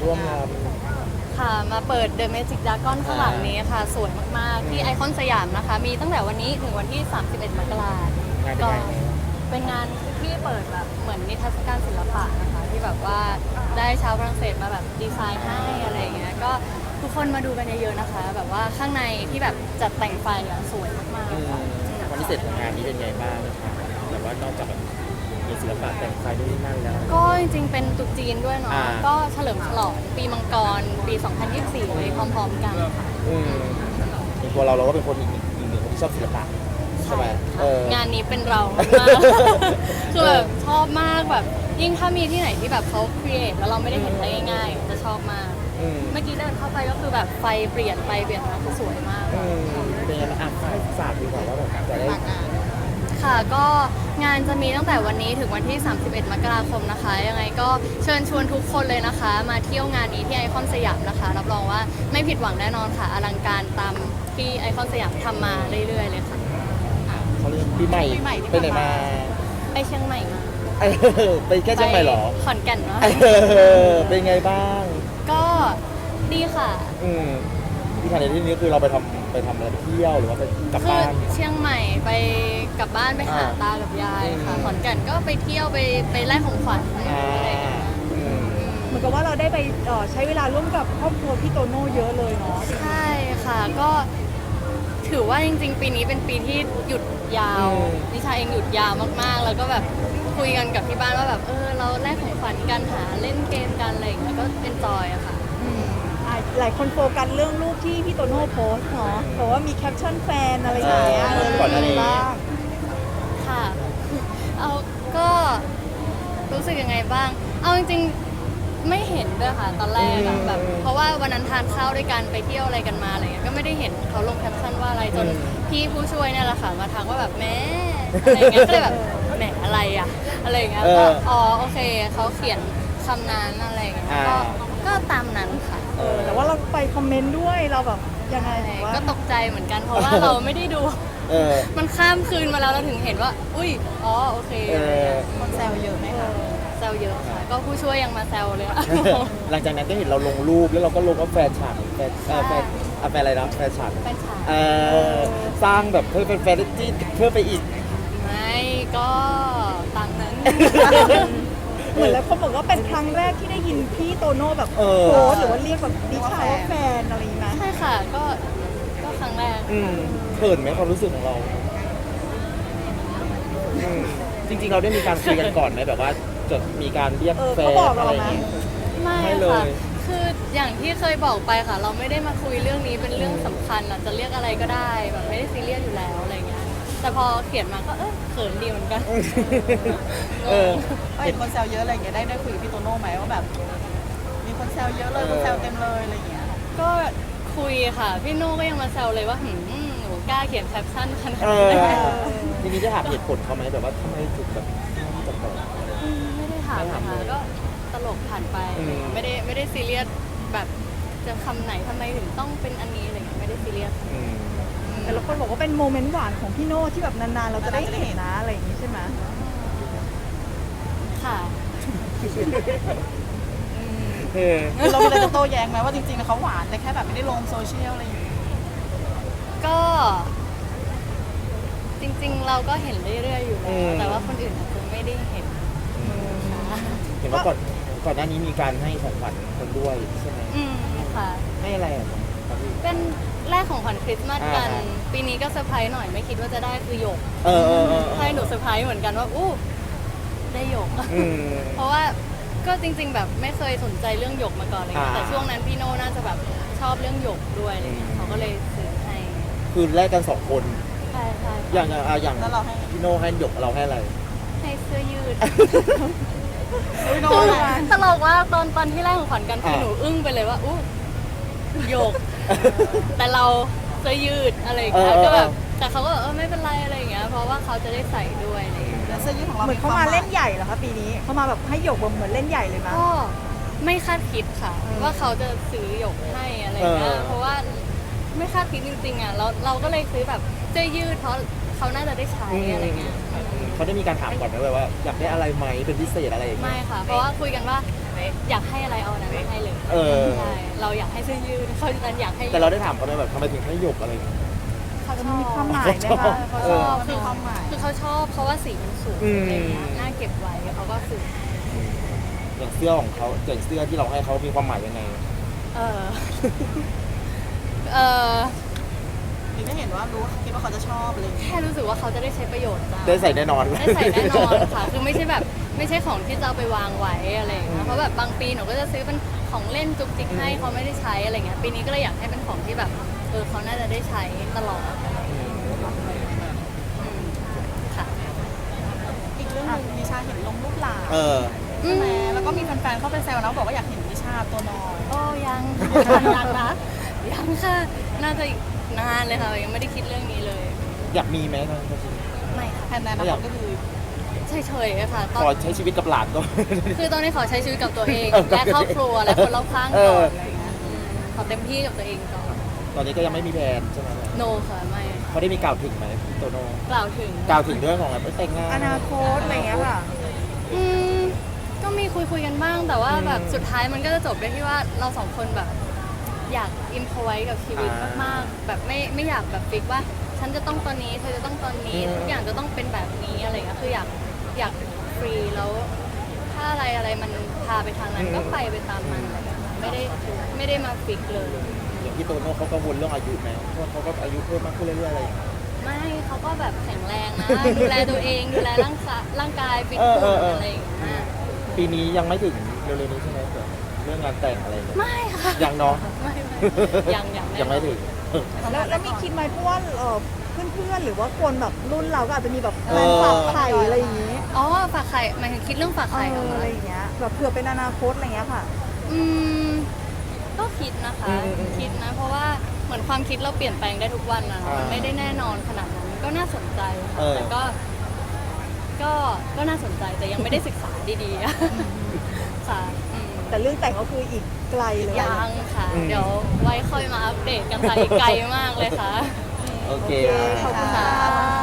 ร่วมงานค่ะมาเปิด The Magic Dragon ข้างหลังนี้ค่ะสวยมากๆที่ไอคอนสยามนะคะมีตั้งแต่วันนี้ถึงวันที่ 31 มกราคมก็เป็นงานที่เปิดแบบเหมือนนิทรรศการศิลปะนะคะที่แบบว่าได้ชาวฝรั่งเศสมาแบบดีไซน์ให้อะไรอย่างเงี้ยก็ทุกคนมาดูกันเยอะๆนะคะแบบว่าข้างในที่แบบจัดแต่งไฟอ่ะสวยมากๆค่ะความพิเศษของงานนี้เป็นไงบ้างนะคะแต่ว่านอกจากแบบมีศิลปะแต่งไฟด้วยนั่นแล้วก็จริงๆเป็นตรุษจีนด้วยเนาะก็เฉลิมฉลองปีมังกรปี 2024เลยพร้อมๆกันค่ะอย่างตัวเราก็เป็นคนอีกหนึ่งคนที่ชอบศิลปะใช่ไหมงานนี้เป็นเรามากคือแบบชอบมากแบบยิ่งถ้ามีที่ไหนที่แบบเขาครีเอทแล้วเราไม่ได้เห็นได้ง่ายๆจะชอบมากเมื่อกี้เดินเข้าไปก็คือแบบไฟเปลี่ยนไปเปลี่ยนมาคือสวยมากเป็นยังไงบ้างให้ฝากดีกว่าว่าแบบจะได้ค่ะก็งานจะมีตั้งแต่วันนี้ถึงวันที่ 31 มกราคมนะคะยังไงก็เชิญชวนทุกคนเลยนะคะมาเที่ยวงานนี้ที่ไอคอนสยามนะคะรับรองว่าไม่ผิดหวังแน่นอนค่ะอลังการตามที่ไอคอนสยามทำมาเรื่อยๆเลยค่ะเขาเรียกปีใหม่ไปไหนมาไปเชียงใหม่มาไปแค่เชียงใหม่หรอขอนแก่นเนาะเป็นไงบ้างก็ดีค่ะที่ทางในที่นี้คือเราไปทำอะไรไปเที่ยวหรือว่าไปกลับบ้านเชียงใหม่ไปกลับบ้านไปหาตากับยายค่ะขอนแก่นก็ไปเที่ยวไปแลกของขวัญอะไรอย่างเงี้ยเหมือนกับว่าเราได้ไปใช้เวลาร่วมกับครอบครัวพี่โตโน่เยอะเลยเนาะใช่ค่ะก็ถือว่าจริงๆปีนี้เป็นปีที่หยุดยาวนิชาเองหยุดยาวมากๆแล้วก็แบบคุยกันกับที่บ้านว่าแบบเราแลกของขวัญกันหาเล่นเกมกันอะไรอย่างเงี้ยก็เอนจอยอะค่ะหลายคนโฟกัสเรื่องรูปที่พี่โตโน่โพสเนาะเพราะว่ามีแคปชั่นแฟนอะไรอย่างเงี้ยก่อนหน้านี้ค่ะก็รู้สึกยังไงบ้างเอาจริงๆไม่เห็นด้วยค่ะตอนแรกแบบเพราะว่าวันนั้นทานข้าวด้วยกันไปเที่ยวอะไรกันมาอะไรเงี้ยก็ไม่ได้เห็นเขาลงแคปชั่นว่าอะไรจนพี่ผู้ช่วยเนี่ยแหละค่ะมาทักว่าแบบแม่อะไรเงี้ยก็เลยแบบแหมอะไรอะอะไรเงี้ยก็โอเคเขาเขียนคำนั้นอะไรเงี้ยก็ตามนั้นค่ะแต่ว่าเราไปคอมเมนต์ด้วยเราแบบยังไงก็ตกใจเหมือนกันเพราะว่าเราไม่ได้ดูมันข้ามคืนมาแล้วเราถึงเห็นว่าอุ้ยโอเคคนแซวเยอะไหมคะแซวเยอะค่ะก็ผู้ช่วยยังมาแซวเลยหลังจากนั้นก็เห็นเราลงรูปแล้วเราก็ลงว่าแฟนฉันแฟนอะไรนะแฟนฉันสร้างแบบเพื่อเป็นแฟนที่เพื่อไปอีกไม่ก็ตามนั้นเหมือนแล้วเขาบอกว่าเป็นครั้งแรกที่ได้ยินพี่โตโน่แบบโพสหรือว่าเรียกแบบดิฉันว่าแฟนอะไรอย่างเงี้ยใช่ค่ะก็ครั้งแรกเขินไหมความรู้สึกของเราจริงๆเราได้มีการคุยกันก่อนไหมแบบว่าจะมีการเรียกแฟนอะไรอย่างเงี้ยไม่เลยคืออย่างที่เคยบอกไปค่ะเราไม่ได้มาคุยเรื่องนี้เป็นเรื่องสำคัญจะเรียกอะไรก็ได้แบบไม่ได้ซีเรียสอยู่แล้วอะไรเงี้ยแต่พอเขียนมาก็เขินดีเหมือนกันเห็นคนแซวเยอะอะไรอย่างเงี้ยได้คุยกับพี่โตโน่ไหมว่าแบบมีคนแซวเยอะเลยคนแซวเต็มเลยอะไรอย่างเงี้ยก็คุยค่ะพี่โน่ก็ยังมาแซวเลยว่าหนูกล้าเขียนแคปชั่นขนาดนี้ทีนี้จะถามเหตุผลเขาไหมแบบว่าทำไมถึงแบบไม่ได้ถามค่ะก็ตลกผ่านไปไม่ได้ซีเรียสแบบจะคำไหนทำไมถึงต้องเป็นอันนี้อะไรเงี้ยไม่ได้ซีเรียสแต่ละคนบอกว่าเป็นโมเมนต์หวานของพี่โน่ที่แบบนานๆเราจะได้เห็นนะอะไรอย่างนี้ใช่ไหมค่ะเราเลยจะโต้แย้งไหมว่าจริงๆเขาหวานแต่แค่แบบไม่ได้ลงโซเชียลอะไรอย่างนี้ก็จริงๆเราก็เห็นเรื่อยๆอยู่แล้วแต่ว่าคนอื่นอาจจะไม่ได้เห็นว่าก่อนหน้านี้มีการให้ของขวัญคนด้วยใช่ไหมค่ะให้อะไรเป็นแรกของขวัญคริสต์มาสกันปีนี้ก็เซอร์ไพรส์หน่อยไม่คิดว่าจะได้คือหยกใช่หนูเซอร์ไพรส์เหมือนกันว่าได้หยกเพราะว่าก็จริงๆแบบไม่เคยสนใจเรื่องหยกมาก่อนเลยแต่ช่วงนั้นพี่โน่น่าจะแบบชอบเรื่องหยกด้วยอะไรเงี้ยเขาก็เลยซื้อให้คือแลกกัน2 คนใช่อย่างพี่โน่ให้หยกเราให้อะไรให้เสื้อยืดตลกว่าตอนที่แรกของขวัญกันคือหนูอึ้งไปเลยว่าหยกแต่เราเสื้อยืดอะไรอย่างเงี้ยก็แบบแต่เขาก็ไม่เป็นไรอะไรอย่างเงี้ยเพราะว่าเขาจะได้ใส่ด้วยอะไรอย่างเงี้ยเสื้อยืดของเราเหมือนเขามาเล่นใหญ่เหรอคะปีนี้เขามาแบบให้หยกเหมือนเล่นใหญ่เลยมั้ยก็ไม่คาดคิดค่ะว่าเขาจะซื้อหยกให้อะไรเงี้ยเพราะว่าไม่คาดคิดจริงๆอ่ะเราก็เลยซื้อแบบเสื้อยืดเพราะเขาน่าจะได้ใช้อะไรเงี้ยเขาได้มีการถามก่อนไหมว่าอยากได้อะไรไหมเป็นพิเศษอะไรอย่างเงี้ยไม่ค่ะเพราะว่าคุยกันว่าอยากให้อะไรเอาอันนั้นไม่ให้เลยเออใช่เราอยากให้เสื้อยืดเขาดันอยากให้แต่เราได้ถามเขาไหมแบบทำไมถึงให้หยกอะไรอย่างเงี้ยเขาชมันอบมีความหมายไหมคะเขาชอบมันมีความหมายคือเขาชอบเพราะว่าสีมันสวยอืมอะไรอย่างเงี้ยน่าเก็บไว้เขาก็ซื้ออย่างเสื้อของเขาอย่างเสื้อที่เราให้เขามีความหมายยังไงเออ เออคือไม่เห็นว่ารู้คิดว่าเขาจะชอบอะไรอย่างเงี้ยแค่รู้สึกว่าเขาจะได้ใช้ประโยชน์จ้ะได้ใส่แน่นอนได้ใส่แน่นอนค่ะ คือไม่ใช่แบบไม่ใช่ของที่จะเอาไปวางไว้อะไรอย่างเงี้ยเพราะแบบบางปีหนูก็จะซื้อเป็นของเล่นจุกจิกให้เขาไม่ได้ใช้อะไรเงี้ยปีนี้ก็เลยอยากให้เป็นของที่แบบเขาน่าจะได้ใช้ตลอดอะไรอย่างเงี้ยอืมค่ะอีกเรื่องหนึงนิชาเห็นลงรูปหลานเออใช่ไหมแล้วก็มีแฟนๆเข้าไปแซวนะบอกว่าอยากเห็นนิชาตัวน้อยโอ้ยังยังนะยังค่ะ น่าจะอีกนานเลยค่ะยังไม่ได้คิดเรื่องนี้เลยอยากมีไหมนะไม่ค่ะแทนในอนาคตก็คือเฉยๆค่ะตขออน ใช้ชีวิตกับหลานก็คือตอนนี้ขอใช้ชีวิตกับตัวเองเออและครอบครัวและคนรอบข้างเอก่ออนอะไรอย่างเงี้ยขอเต็มที่กับตัวเองก่อนตอนนี้ก็ยังไม่มีแผนใช่ไหมโนค่ะไม่เขาได้มีกล่าวถึงไหมพี่โตโน่กล่าวถึงกล่าวถึงเรื่องของแบบแต่งงานอนาคตอะไรอย่างเงี้ยค่ะอืมก็มีคุยกันบ้างแต่ว่าแบบสุดท้ายมันก็จะจบด้วยที่ว่าเราสองคนแบบ อยากอินพอไว้กับชีวิตมากๆแบบไม่อยากแบบฟิกว่า ฉันจะต้องตอนนี้เธอจะต้องตอนนี้ทุกอย่างจะต้องเป็นแบบนี้อะไรอย่างเงี้ยคืออยากฟรีแล้ว ถ้าอะไรมันพาไปทางนั้นก็ไปตามมันอะไรอย่างเงี้ยไม่ได้มาฟิกเลยอย่างพี่โตโน่เขากังวลเรื่องอายุไหมเพราะเขาก็อายุเพิ่มมากขึ้นเรื่อยๆอะไรอย่างเงี้ยไม่เขาก็แบบแข็งแรงนะ ดูแลตัวเองดูแลร่างกายฟิตเออหุ่นเอออะไรอย่างเงี้ยปีนี้ยังไม่ถึงเร็วๆนี้ใช่ไหมเกิดเรื่องงานแต่งอะไรอย่างเงี้ยไม่ค่ะยังเนาะไม่ยังยังไม่ถึงแล้วมีคิดไหมเพราะว่าเพื่อนๆหรือว่าคนแบบรุ่นเราก็อาจจะมีแบบแฟนฝากไข่อะไรอย่างงี้อ๋อฝากไข่หมายถึงคิดเรื่องฝากไข่เหรออะไรคะอย่างเงี้ยแบบเผื่อเป็นอนาคตอะไรอย่างเงี้ยค่ะอืมก็คิดนะคะ คิดนะ เพราะว่าเหมือนความคิดเราเปลี่ยนแปลงได้ทุกวันนะมันไม่ได้แน่นอนขนาดนั้นก็น่าสนใจค่ะแต่ก็น่าสนใจแต่ยังไม่ได้ศึกษาดีๆอะค่ะอืมแต่เรื่องแต่งก็คืออีกไกลเลยยังค่ะ เดี๋ยวไว้ค่อยมาอัปเดตกันค่ะอีกไกลมากเลยค่ะโอเคขอบคุณค่ะ